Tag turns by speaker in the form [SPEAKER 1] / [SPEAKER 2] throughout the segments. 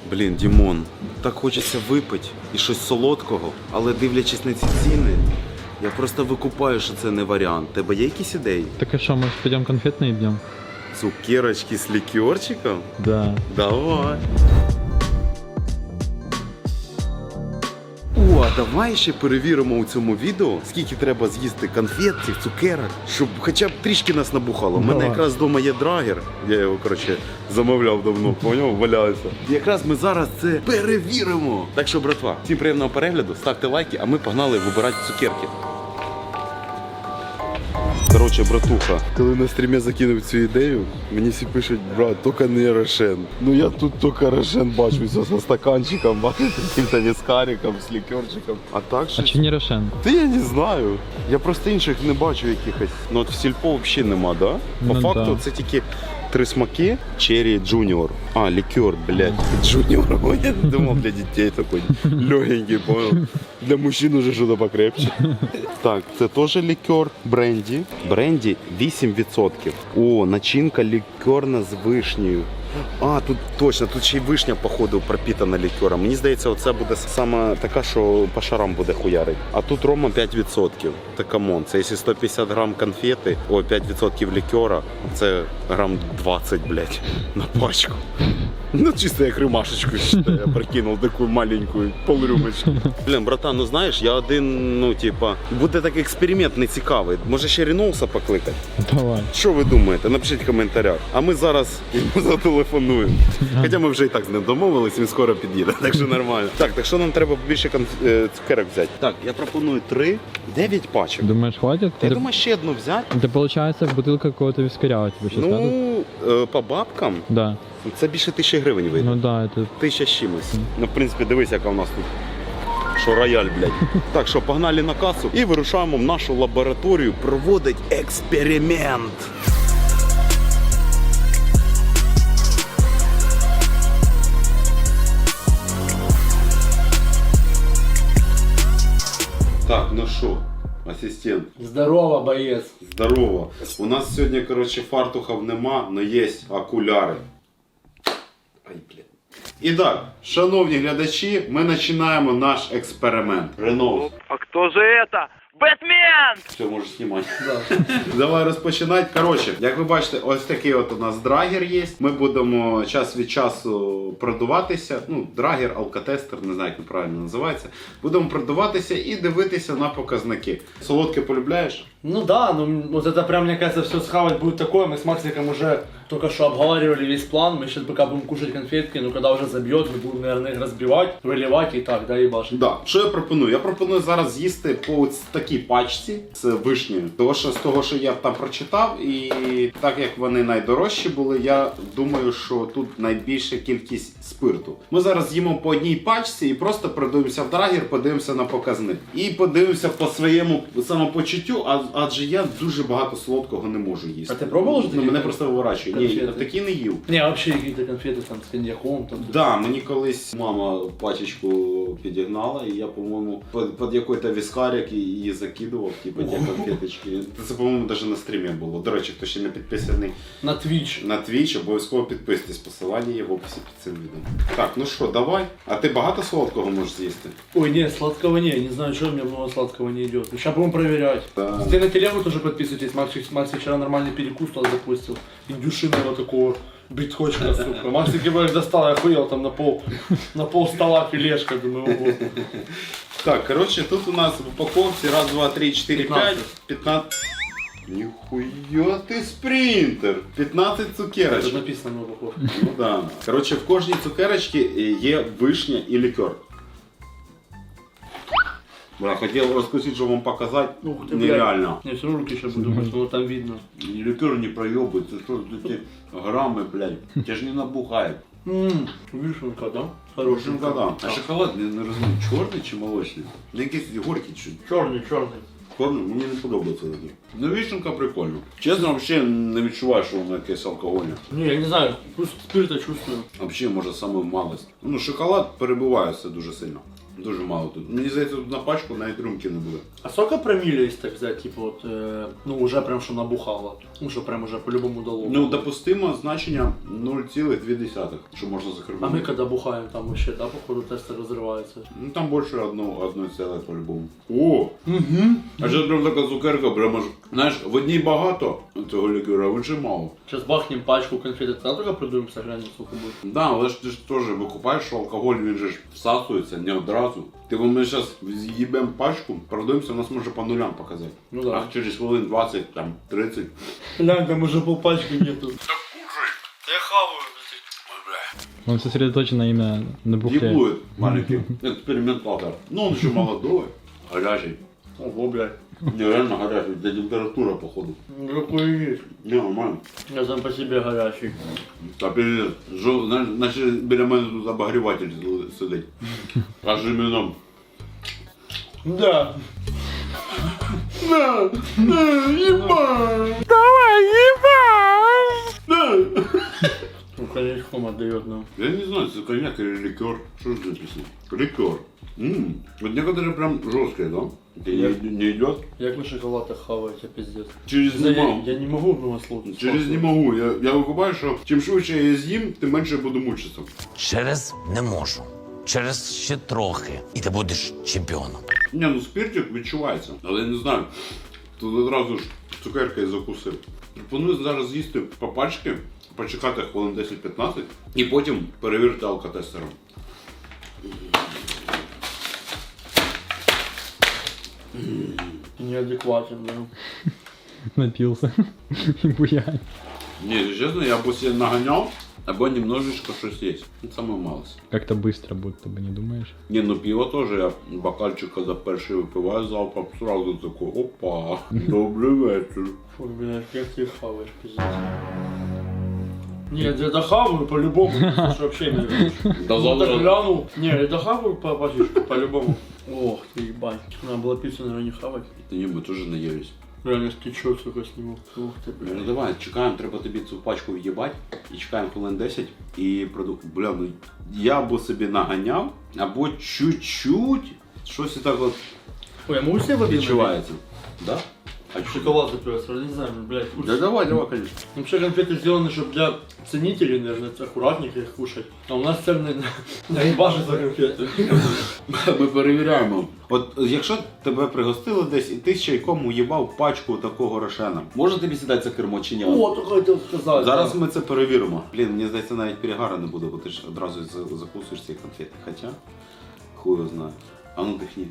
[SPEAKER 1] Блін, Дімон, так хочеться випити і щось солодкого, але дивлячись на ці ціни, я просто викупаю, що це не варіант. Тебе є якісь ідеї?
[SPEAKER 2] Так и что, может пойдем конфетные идем?
[SPEAKER 1] Цукерочки з лікерчиком?
[SPEAKER 2] Да.
[SPEAKER 1] Давай. О, а давай ще перевіримо у цьому відео, скільки треба з'їсти конфет, цих цукерок, щоб хоча б трішки нас набухало. У мене
[SPEAKER 2] Давай.
[SPEAKER 1] якраз вдома є драгер, я його, коротше, замовляв давно, поняв, валяється. І якраз ми зараз це перевіримо. Так що, братва, всім приємного перегляду, ставте лайки, а ми погнали вибирати цукерки. Коротше, братуха, коли на стрімі закинув цю ідею, мені всі пишуть, брат, тільки не Рошен. Ну я тут тільки Рошен бачу, все зі стаканчиком, яким-то віскариком, з лікерчиком. А так
[SPEAKER 2] А
[SPEAKER 1] щось...
[SPEAKER 2] че не Рошен?
[SPEAKER 1] Та я не знаю. Я просто інших не бачу якихось. Ну от в сільпо взагалі нема, да? По
[SPEAKER 2] Ну,
[SPEAKER 1] факту
[SPEAKER 2] да.
[SPEAKER 1] це тільки 3 смаки. Черри Джуніор. А, лікер, блядь. Джуніор. Я думав для дітей такий легенький, понял? Для мужчин уже щось покрепче. Так, це теж лікер. Бренді. Бренді 8%. О, начинка лікерна з вишнею. А, тут точно, тут ще й вишня, походу, пропитана лікером. Мені здається, оце буде саме така, що по шарам буде хуярить. А тут рома 5%. Та камон, це якщо 150 грам конфети, о, 5% лікера, це грам 20, блядь, на пачку. Ну, чисто як римашечку, я прикинув таку маленьку полрюмочку. Блін, братан, ну знаєш, я один, ну, типа, буде такий експеримент нецікавий. Може ще Ріноуса покликати?
[SPEAKER 2] Давай.
[SPEAKER 1] Що ви думаєте? Напишіть в коментарях. А ми зараз йому зателефонуємо. Хоча ми вже і так з ним домовились, він скоро під'їде, так що нормально. Так що нам треба більше цукерок взяти? Так, я пропоную 9 пачок.
[SPEAKER 2] Думаешь, хватит?
[SPEAKER 1] Я думаю, ще одну взяти.
[SPEAKER 2] Это получается бутылка какого-то вискаря у тебя сейчас, да?
[SPEAKER 1] Ну, по бабкам,
[SPEAKER 2] Да.
[SPEAKER 1] це більше 1000 гривень вийде.
[SPEAKER 2] Ну да, это...
[SPEAKER 1] 1000 з чимось. Ну, в принципі, дивись, яка у нас тут. Що рояль, блядь. Так що погнали на касу і вирушаємо в нашу лабораторію проводить експеримент. Так, ну що, асистент?
[SPEAKER 3] Здорово, боец.
[SPEAKER 1] Здорово. У нас сьогодні, коротше, фартухів нема, але є окуляри. Ай, блядь. І так, шановні глядачі, ми починаємо наш експеримент. Ренов.
[SPEAKER 4] А кто же это? Бэтмен!
[SPEAKER 1] Все, можеш знімати.
[SPEAKER 3] Да.
[SPEAKER 1] Давай розпочинати. Коротше, як ви бачите, ось такий от у нас драгер є. Ми будемо час від часу продуватися. Ну, драгер, алкотестер, не знаю, як він правильно називається. Будемо продуватися і дивитися на показники. Солодке полюбляєш?
[SPEAKER 3] Ну да, ну вот это прям, мне кажется, все схавать будет такое. Мы с Максиком уже только что обговаривали весь план. Мы сейчас пока будем кушать конфетки, но когда уже забьет, мы будем, наверное, их разбивать, выливать и так, да, ебашить.
[SPEAKER 1] Да. Що я пропоную? Я пропоную зараз з'їсти по ось такій пачці з вишнею. З того, що я там прочитав, і так як вони найдорожчі були, я думаю, що тут найбільша кількість спирту. Ми зараз з'їмо по одній пачці і просто продивимося в драгер, подивимося на показник. І подивимося по своєму самопочуттю, адже я дуже багато солодкого не можу їсти.
[SPEAKER 3] А ти пробував вже
[SPEAKER 1] Ну,
[SPEAKER 3] такі
[SPEAKER 1] мене просто виворачує. Ні,
[SPEAKER 3] конфети?
[SPEAKER 1] такі не їв.
[SPEAKER 3] Не, вообще какие-то конфеты там с коньяком. Там.
[SPEAKER 1] Да, мені колись мама пачечку підігнала, і я, по-моєму, під якийсь віскарик її закидував, типу, ті конфеточки. Це, по-моєму, навіть на стрімі було. До речі, хто ще не підписаний
[SPEAKER 3] На Twitch.
[SPEAKER 1] на Twitch, обов'язково підписуйтесь, посилання є в описі під цим відео. Так, ну що, давай. А ти багато солодкого можеш з'їсти?
[SPEAKER 3] Ой, нет, сладкого не знаю, что у меня много сладкого не идет. Сейчас будем проверять.
[SPEAKER 1] Да.
[SPEAKER 3] Ты на телегу тоже подписывайтесь, Максик вчера нормальный перекус туда запустил. Индюшиного такого битхочка, сука. Максик его достал, я охуел там на пол стола филешка, думаю, ого.
[SPEAKER 1] Так, коротше, тут у нас в упаковці раз, два, три, 4, 5, 15. Ніхуя ти спринтер! 15
[SPEAKER 3] Тут
[SPEAKER 1] цукерочок.
[SPEAKER 3] написано на упаковке.
[SPEAKER 1] Ну да. Коротше, в кожній цукерочці є вишня і лікер. Бля, хотів розкусити, щоб вам показати.
[SPEAKER 3] Ух ты,
[SPEAKER 1] Нереально.
[SPEAKER 3] Не, все равно руки сейчас буду мыть, но там видно.
[SPEAKER 1] Лікер не проебывает, це що за ці грами, блядь. Тебе ж не набухає.
[SPEAKER 3] Вишенка, да? Хороший.
[SPEAKER 1] Да. А шоколад, не розумію, чорний чи молочний? Ну якийсь горький чуть.
[SPEAKER 3] Черный, черный.
[SPEAKER 1] Чорний, мені не подобається такий. Ну вишенка прикольно. Чесно, взагалі не відчуваю, що воно якесь алкогольне.
[SPEAKER 3] Не, я не знаю, вкус спирта чувствую.
[SPEAKER 1] Взагалі, може, саме малость. Ну, шоколад перебиває все дуже сильно. Дуже мало тут. Мені здається, тут на пачку навіть рюмки не буде.
[SPEAKER 3] А сколько промилле, если так взять, типа вот, ну уже прям что набухало, ну что прям уже по-любому дало.
[SPEAKER 1] Ну, допустимо значення 0,2, що можна
[SPEAKER 3] А мы
[SPEAKER 1] закривати.
[SPEAKER 3] когда бухаем, там вообще, да, походу тесты разрываются.
[SPEAKER 1] Ну там більше одної ціле по-любому. О!
[SPEAKER 3] Угу.
[SPEAKER 1] А зараз прям така цукерка, прямо ж. Знаєш, в одній багато цього лікера, а в іншій мало.
[SPEAKER 3] Сейчас бахнем пачку конфет, тогда только продуемся, глянем, сколько будет.
[SPEAKER 1] Да, але ж ти ж теж викупаєш, що алкоголь він же ж всасується не одразу. Типу ми зараз з'їбемо пачку, продуємося, нас може по нулям показати.
[SPEAKER 3] Ну да.
[SPEAKER 1] А через хвилин 20, там 30.
[SPEAKER 3] Глянь, там уже полпачки нету. Да я хаваю,
[SPEAKER 2] Он сосредоточен именно на бухле.
[SPEAKER 1] Ебует маленький экспериментатор. Ну он еще молодой, горячий.
[SPEAKER 3] Ого, блядь.
[SPEAKER 1] Не, реально горячий, для температура походу.
[SPEAKER 3] Ну какой есть.
[SPEAKER 1] Не, нормально.
[SPEAKER 3] Я сам по себе горячий.
[SPEAKER 1] Та пиздец. Значить біля мене тут обогріватель сидить. Аж іменом.
[SPEAKER 3] Да. Да, ебать.
[SPEAKER 4] Давай, ебать!
[SPEAKER 3] Да. Ну, коньячком отдает нам.
[SPEAKER 1] Я не знаю, это коньяк или ликер. Что же написано? Ликер. Вот некоторые прям жесткие, да? Не идет.
[SPEAKER 3] Як ви шоколад хаваєте, пиздец.
[SPEAKER 1] Через не могу.
[SPEAKER 3] Я не можу одного слова.
[SPEAKER 1] Через не могу. Я викупаю, що чим швидше я з'їм, тим менше я буду мучитися.
[SPEAKER 5] Через не можу. Через ще трохи. І ти будеш чемпіоном.
[SPEAKER 1] Ні, ну спиртик відчувається, але я не знаю. Тут одразу ж цукерка і закусив. Пропоную зараз з'їсти по пачці, почекати хвилин 10-15 і потім перевірити алкотестером.
[SPEAKER 3] Неадекватен, да.
[SPEAKER 2] Напился. И буянь.
[SPEAKER 1] Ні, якщо чесно, я або себе наганяв, або немножечко щось є. Ну, саме малость.
[SPEAKER 2] Как-то быстро будто бы, не думаешь?
[SPEAKER 1] Ні, ну пиво теж, я бокальчик, коли перший випиваю залпом, сразу такой, опа, добрий вечір.
[SPEAKER 3] Фу, блядь, как ты хаваешь, пиздец. Нет, я дохаваю по-любому, потому что вообще не веришь.
[SPEAKER 1] Да
[SPEAKER 3] Ну, так
[SPEAKER 1] завтра...
[SPEAKER 3] глянул. Не, я дохаваю по пачечку, по-любому. Ох ты, ебать. Надо было пиццу, наверное, не хавать.
[SPEAKER 1] Та ні, ми теж наїлись.
[SPEAKER 3] Реально стечет, сука, сниму. Ух ты,
[SPEAKER 1] Ну
[SPEAKER 3] блядь.
[SPEAKER 1] давай, чекаємо, треба тобі цю пачку в'їбати і чекаємо хвилин 10 і Бля, ну я або собі наганяв, або чуть-чуть щось і так от
[SPEAKER 3] Ой, я могу себе воды налить?
[SPEAKER 1] відчувається. Да? А чого?
[SPEAKER 3] Шоколад запивать, не знаю, блядь.
[SPEAKER 1] Да давай, конечно.
[SPEAKER 3] Вообще конфеты сделаны, чтобы для ценителей, наверное, аккуратненько их кушать. А у нас цены на ебаши за конфеты.
[SPEAKER 1] Ми перевіряємо. От якщо тебе пригостили десь і ти з чайком уїбав пачку такого рошена, може тобі сідати за кермо чи ні?
[SPEAKER 3] О, только хотел сказать.
[SPEAKER 1] Зараз ми це перевіримо. Блін, мені здається, навіть перегара не буде, бо ти ж одразу закусуєш ці конфети. Хоча, хуй його знає. А ну дихні.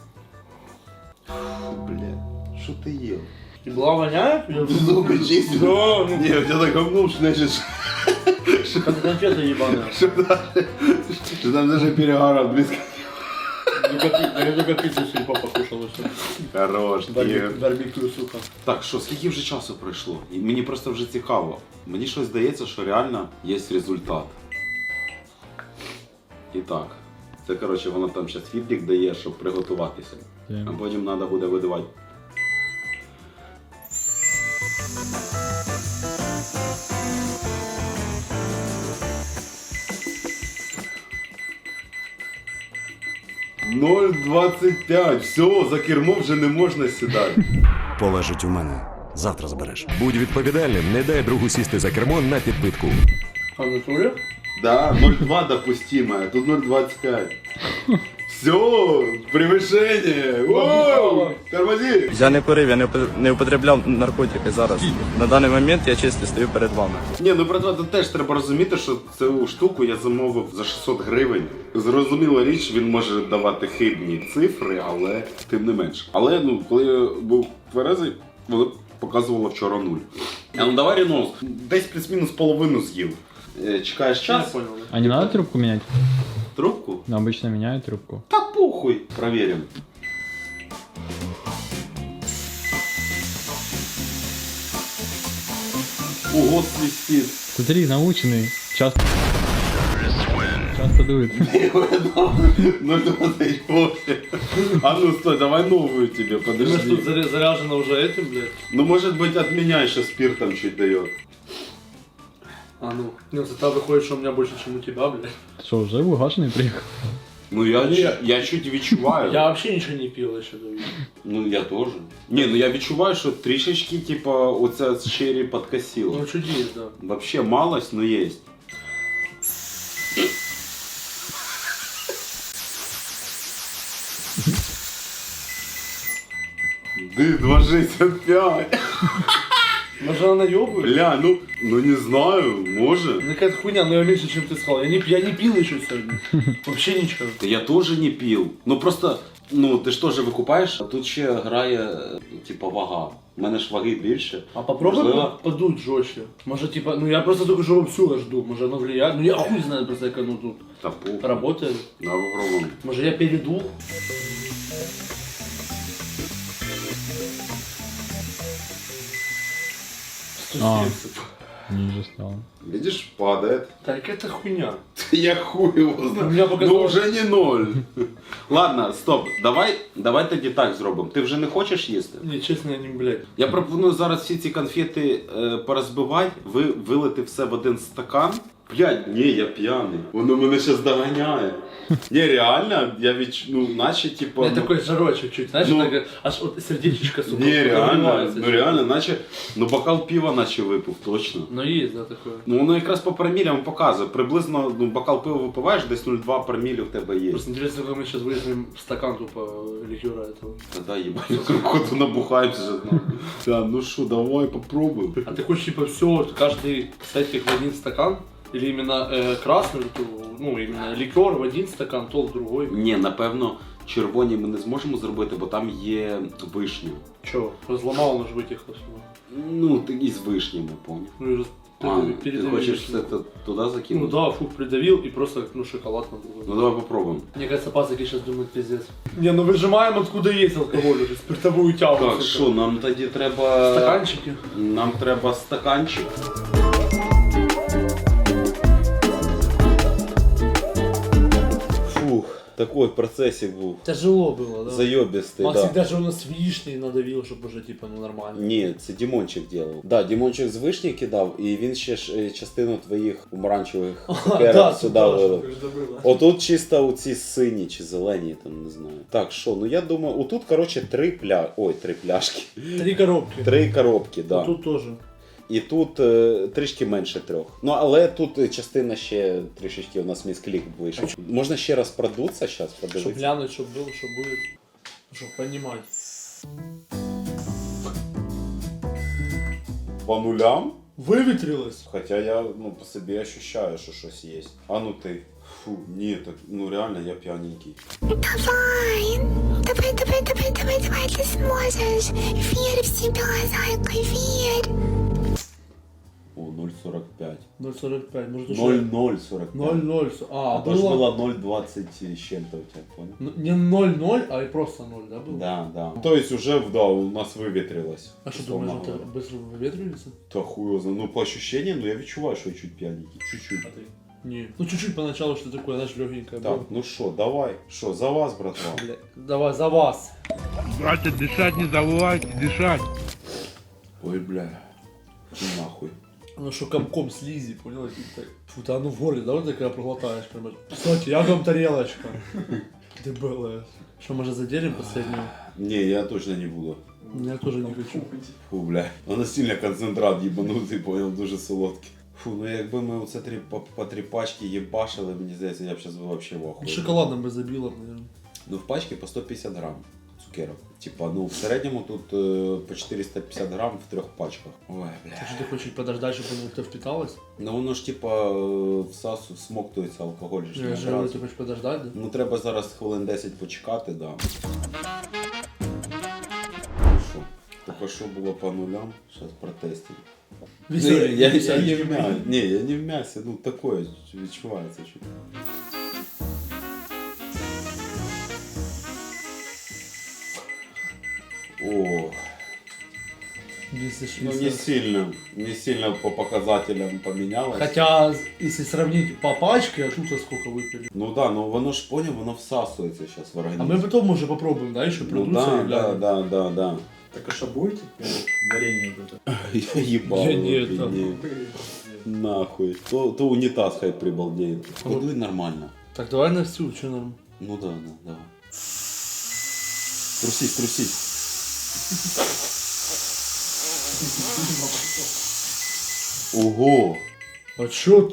[SPEAKER 1] Блядь, що ти їв?
[SPEAKER 3] И была воняет?
[SPEAKER 1] Зуби чисті?
[SPEAKER 3] Да, ну,
[SPEAKER 1] Ні, я так гавнув, що значить,
[SPEAKER 3] как конфеты ебаные.
[SPEAKER 1] що там навіть перегара близько.
[SPEAKER 3] Я только пиццу сельпо покушал и все.
[SPEAKER 1] Хорош, Ігор.
[SPEAKER 3] Барбекю, сука.
[SPEAKER 1] Так, що, скільки вже часу пройшло? І мені просто вже цікаво. Мені щось здається, що реально є результат. І так, це, коротше, воно там зараз відлік дає, щоб приготуватися. А потім треба буде видавати. «0,25. Все, за кермо вже не можна сідати.
[SPEAKER 6] Полежить у мене. Завтра збереш. Будь відповідальним, не дай другу сісти за кермо на підпитку.
[SPEAKER 3] А в натуре?
[SPEAKER 1] Да, 0,2 допустимо, а тут 0,25. Все, превышение. Воу, тормози.
[SPEAKER 7] Я не курив, я не употребляв наркотики зараз. На даний момент я чисто стою перед вами.
[SPEAKER 1] Ні, ну братва, тут теж треба розуміти, що цю штуку я замовив за 600 гривень. Зрозуміла річ, він може давати хибні цифри, але тим не менш. Але ну, коли я був тверезий, воно показувало вчора 0. А ну давай рінос, десь плюс-мінус половину з'їв. Чекаєш
[SPEAKER 3] Я
[SPEAKER 1] час?
[SPEAKER 3] понял.
[SPEAKER 2] А не надо трубку менять?
[SPEAKER 1] Трубку?
[SPEAKER 2] Ну, обычно меняют трубку.
[SPEAKER 1] Та похуй. Проверим. Ого, свистит.
[SPEAKER 2] Смотри, наученный. Часто дует.
[SPEAKER 1] 0,28. А ну стой, давай новую тебе,
[SPEAKER 3] Думаешь, тут
[SPEAKER 1] подожди.
[SPEAKER 3] заряжено уже этим, блядь?
[SPEAKER 1] Ну может быть от меня еще спиртом чуть дает.
[SPEAKER 3] А ну. Нет, тогда выходит, что у меня больше, чем у тебя, блядь.
[SPEAKER 2] Ты что, уже угашенный приехал?
[SPEAKER 1] Ну я чуть відчуваю.
[SPEAKER 3] Я вообще ничего не пил еще до видео.
[SPEAKER 1] Ну я теж. Ні, ну я відчуваю, що трішечки, типа, оця з черрі подкосило.
[SPEAKER 3] Ну чуть есть, да.
[SPEAKER 1] Вообще малость, но есть. Ды, 2,65.
[SPEAKER 3] Может она наебывает?
[SPEAKER 1] Бля, ну не знаю, може.
[SPEAKER 3] Ну какая-то хуйня, но я меньше, чем ты сказал. Я не пил еще сегодня. Вообще ничего.
[SPEAKER 1] Та я теж не пив. Ну просто, ну ти ж теж викупаєш, а тут ще грає, типа, вага. У мене ж ваги більше.
[SPEAKER 3] А попробуй
[SPEAKER 1] Можливо.
[SPEAKER 3] подуть жестче. Может типа, ну я просто только живу всю жду. Может оно влияет. Ну я хуй знаю просто, как оно тут
[SPEAKER 1] Та пух.
[SPEAKER 3] работает.
[SPEAKER 1] Да, попробуємо.
[SPEAKER 3] Может я перейду?
[SPEAKER 2] А. Ниже стало.
[SPEAKER 1] Видишь, падает.
[SPEAKER 3] Так это хуйня.
[SPEAKER 1] Я хуй его знаю.
[SPEAKER 3] У меня показалось-
[SPEAKER 1] Ну вже не 0. Ладно, стоп. Давай тоді так зробимо. Ти вже не хочеш їсти?
[SPEAKER 3] Не, честно, я не, блядь.
[SPEAKER 1] Я пропоную зараз всі ці конфети порозбивати, вилити все в один стакан. Блядь, ні, я п'яний. Воно мене зараз доганяє. Ні, реально, ну, наче, типа...
[SPEAKER 3] У меня
[SPEAKER 1] ну,
[SPEAKER 3] такой жарочек чуть, знаешь,
[SPEAKER 1] ну-
[SPEAKER 3] так, аж вот сердечко, сука.
[SPEAKER 1] Ні, реально,
[SPEAKER 3] разрывается.
[SPEAKER 1] ну реально, наче, ну бокал пива наче випив, точно.
[SPEAKER 3] Ну есть, да, такое.
[SPEAKER 1] Ну воно якраз по промілям показує. Приблизно, ну, бокал пива випиваєш, десь 0,2 промілі в тебе є.
[SPEAKER 3] Просто интересно, как мы сейчас вылезем в стакан тупо ликера этого.
[SPEAKER 1] Тогда ебать, кругоду набухаемся же. Да, ну что, давай попробуем.
[SPEAKER 3] А ты хочешь типа все, каждый с этих в один стакан? Или именно красный, ну именно ликер в один стакан, то в другой?
[SPEAKER 1] Ні, напевно, червоні ми не зможемо зробити, бо там є вишня.
[SPEAKER 3] Че, разломал, он же вытекло все.
[SPEAKER 1] Ну, ти із вишнями, поняв.
[SPEAKER 3] Ну и
[SPEAKER 1] А, ти
[SPEAKER 3] передавил.
[SPEAKER 1] хочеш все це туди
[SPEAKER 3] Ну
[SPEAKER 1] закинути?
[SPEAKER 3] да, фух, придавил и просто ну шоколад на другой.
[SPEAKER 1] Ну давай попробуем.
[SPEAKER 3] Мне кажется, пацаки сейчас думают пиздец. Не, ну выжимаем откуда есть алкоголь уже, спиртовую тягу.
[SPEAKER 1] Так,
[SPEAKER 3] сука.
[SPEAKER 1] що, нам тоді треба...
[SPEAKER 3] Стаканчики.
[SPEAKER 1] Нам треба стаканчик. Фух, такой процесик був.
[SPEAKER 3] Тяжело было, да?
[SPEAKER 1] Зайобістий,
[SPEAKER 3] Максик
[SPEAKER 1] да.
[SPEAKER 3] даже у нас вишни надавил, чтобы уже типа ну нормально.
[SPEAKER 1] Ні, це Дімончик ділав. Да, Дімончик з вишні кидав, і він ще ж частину твоїх помаранчевих цукерок сюди вилив. Отут чисто оці сині чи зелені, там не знаю. Так, що, ну я думаю, отут, коротше, три пляшки.
[SPEAKER 3] 3 коробки.
[SPEAKER 1] 3 коробки, да.
[SPEAKER 3] Тут тоже.
[SPEAKER 1] І тут трішки менше 3. Ну, але тут частина ще трішечки у нас місклік вийшов. Можна ще раз продуться зараз,
[SPEAKER 3] Чтоб
[SPEAKER 1] подивитися.
[SPEAKER 3] глянуть, чтоб было, что будет. Чтоб понимать.
[SPEAKER 1] По нулям?
[SPEAKER 3] Выветрилось.
[SPEAKER 1] Хоча я ну, по собі ощущаю, що щось є. А ну ти. Фу, ні, так, ну реально я п'яненький.
[SPEAKER 4] Давай, ты сможешь. Верь в себя, зайка, верь.
[SPEAKER 1] О, 0,45.
[SPEAKER 3] 0,45, может уже...
[SPEAKER 1] 0,045.
[SPEAKER 3] 0,0. А,
[SPEAKER 1] А то ж
[SPEAKER 3] было...
[SPEAKER 1] було 0,20 з чим-то у тебе, понял?
[SPEAKER 3] Ну, не 0,0, а и просто 0, да, было?
[SPEAKER 1] Да, да. То есть уже, да, у нас вивітрилось.
[SPEAKER 3] А что,
[SPEAKER 1] условно
[SPEAKER 3] думаешь, это
[SPEAKER 1] говоря.
[SPEAKER 3] быстро выветривается?
[SPEAKER 1] Та хуй його знає. Ну, по ощущениям, ну я відчуваю, що я чуть п'яненький. Чуть-чуть.
[SPEAKER 3] А ты? Не. Ну, чуть-чуть поначалу, что такое, знаешь, легенькое
[SPEAKER 1] Так,
[SPEAKER 3] было.
[SPEAKER 1] ну що, давай. Що, за вас, братва?
[SPEAKER 3] Бля, давай, за вас.
[SPEAKER 4] Братья, дышать не забывайте, дышать.
[SPEAKER 1] Ой, бля. Ну нахуй.
[SPEAKER 3] Ну что, комком слизи, понял? И так, фу, да ну в горле, да, вот такая проглотаешь, прям. Кстати, я вам тарелочка. Ты была. Что, может, заделим последнюю?
[SPEAKER 1] Не, я точно не буду.
[SPEAKER 3] Я тоже не хочу.
[SPEAKER 1] Фу, бля. Вона сильно концентрат їбанутий, понял, дуже солодкий. Фу, ну якби ми оце по 3 пачки їбашили, мені здається, я б зараз вообще в ахуї.
[SPEAKER 3] Шоколадом бы забила, наверное.
[SPEAKER 1] Ну в пачці по 150 грам цукерок. Типа, ну в середньому тут по 450 грам в 3 пачках. Ой, бля.
[SPEAKER 3] Так что ты хочешь подождать, чтобы оно как-то впиталось?
[SPEAKER 1] Ну воно ж типа всмоктується алкоголь. ж не
[SPEAKER 3] Я же говорю,
[SPEAKER 1] одразу.
[SPEAKER 3] ты хочешь подождать, да?
[SPEAKER 1] Ну треба зараз хвилин 10 почекати, да. Що? Тільки що було по нулям, зараз протестимо.
[SPEAKER 3] Веселенький,
[SPEAKER 1] я не
[SPEAKER 3] веселенький.
[SPEAKER 1] в мясі, ні, я не в м'ясі, ну такое відчувається чуть. О,
[SPEAKER 3] Если ж-
[SPEAKER 1] ну не сильно по показателям поменялось.
[SPEAKER 3] Хотя, если сравнить по пачке, а тут сколько выпили.
[SPEAKER 1] Ну да, ну воно ж поняв, воно всасується зараз в
[SPEAKER 3] А
[SPEAKER 1] організм.
[SPEAKER 3] мы потом уже попробуем, да, еще
[SPEAKER 1] Ну
[SPEAKER 3] продуться
[SPEAKER 1] да,
[SPEAKER 3] и глянем.
[SPEAKER 1] да.
[SPEAKER 2] Так а что будете? Варенье вот это.
[SPEAKER 1] Я ебал.
[SPEAKER 3] Я не
[SPEAKER 1] вообще,
[SPEAKER 3] это.
[SPEAKER 1] не. Нахуй. То унитаз хай прибалдеет. Подуй нормально.
[SPEAKER 3] Так, давай на всю, что нам?
[SPEAKER 1] Ну да, давай. Трусись. Ого!
[SPEAKER 3] А чё?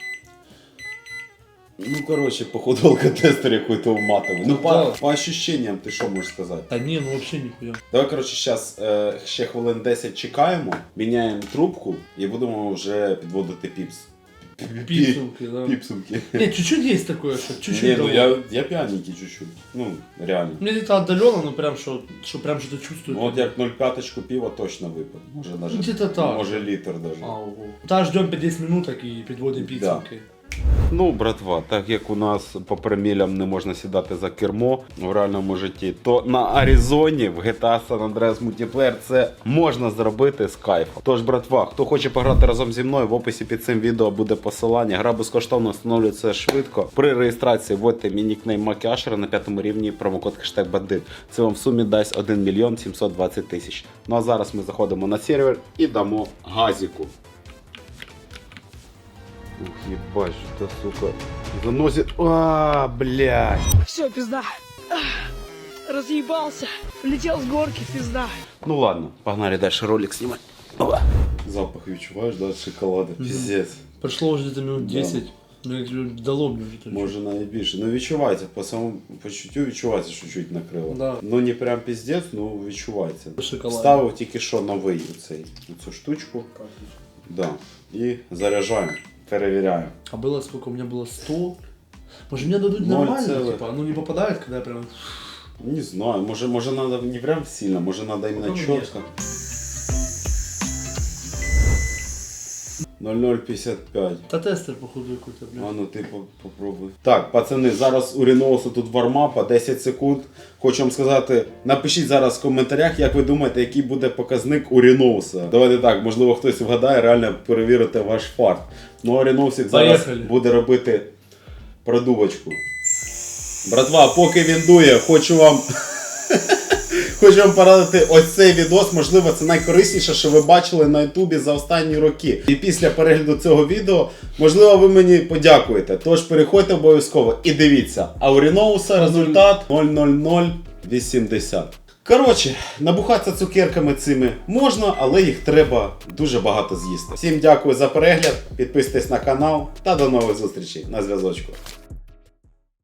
[SPEAKER 1] Ну, короче, походу алкотестер какой-то матовый. Ну,
[SPEAKER 3] Да.
[SPEAKER 1] по ощущениям, ти що можеш сказати?
[SPEAKER 3] Да не, ну вообще нихуя.
[SPEAKER 1] Давай, короче, зараз ще хвилин 10 чекаємо, міняємо трубку і будемо вже підводити піпс.
[SPEAKER 3] Пипсулки, да.
[SPEAKER 1] Піпсулки.
[SPEAKER 3] Не, чуть-чуть есть такое, что чуть-чуть.
[SPEAKER 1] Ні, ну
[SPEAKER 3] дало.
[SPEAKER 1] я п'яненький чуть-чуть. Ну, реально.
[SPEAKER 3] Мне где-то отдаленно, но прям что прям что-то чувствую.
[SPEAKER 1] Ну, от як 0,5 пива точно випив. Може даже,
[SPEAKER 3] Где-то так.
[SPEAKER 1] може літр даже.
[SPEAKER 3] Ого. Да, ждем 50 минуток и подводим пиццулки.
[SPEAKER 1] Ну, братва, так як у нас по промілям не можна сідати за кермо в реальному житті, то на Аризоні в GTA San Andreas Multiplayer це можна зробити з кайфом. Тож, братва, хто хоче пограти разом зі мною, в описі під цим відео буде посилання. Гра безкоштовно, встановлюється швидко. При реєстрації вводьте мій нікнейм Макіашера на 5-му рівні, промокод хештег бандит. Це вам в сумі дасть 1 мільйон 720 тисяч. Ну а зараз ми заходимо на сервер і дамо газіку. Ух, ебать, что-то, сука, заносит. А, блядь.
[SPEAKER 8] Все, пизда. Разъебался. Летел с горки, пизда.
[SPEAKER 1] Ну ладно, погнали дальше ролик снимать. Опа. Запах відчуваєш, да, шоколада. Пиздец.
[SPEAKER 3] Прошло уже где-то минут
[SPEAKER 1] Да.
[SPEAKER 3] 10. Ну, я говорю, дало мне уже точно.
[SPEAKER 1] Може навіть більше. Ну відчувається, по самому почуттю відчувається, що чуть накрило.
[SPEAKER 3] Да.
[SPEAKER 1] Ну не прям пиздец, ну відчувається.
[SPEAKER 3] Шоколад.
[SPEAKER 1] Ставив тільки що новий оцю штучку. Да. І заряджаємо, перевіряємо.
[SPEAKER 3] А было сколько? У меня было 100. Может мне дадут
[SPEAKER 1] 0,.
[SPEAKER 3] нормально, типа, оно не попадает, когда я прям...
[SPEAKER 1] Не знаю, може надо не прям сильно, може надо именно
[SPEAKER 3] Ну,
[SPEAKER 1] четко. 0,055.
[SPEAKER 3] Да тестер, походу, какой-то,
[SPEAKER 1] А
[SPEAKER 3] блядь.
[SPEAKER 1] ну ти попробуй. Так, пацани, зараз у Ріноусу тут вармапа 10 секунд. Хочу вам сказати, напишіть зараз в коментарях, як ви думаєте, який буде показник у Ріноуса. Давайте так, можливо хтось вгадає, реально перевірити ваш фарт. Ну а Ріноусик зараз
[SPEAKER 3] Поїхали.
[SPEAKER 1] буде робити продувочку. Братва, поки він дує, хочу вам порадити ось цей відос. Можливо, це найкорисніше, що ви бачили на Ютубі за останні роки. І після перегляду цього відео, можливо, ви мені подякуєте. Тож переходьте обов'язково і дивіться. А у Ріноуса результат 0,0080. Коротше, набухатися цукерками цими можна, але їх треба дуже багато з'їсти. Всім дякую за перегляд, підписуйтесь на канал та до нових зустрічей на зв'язочку.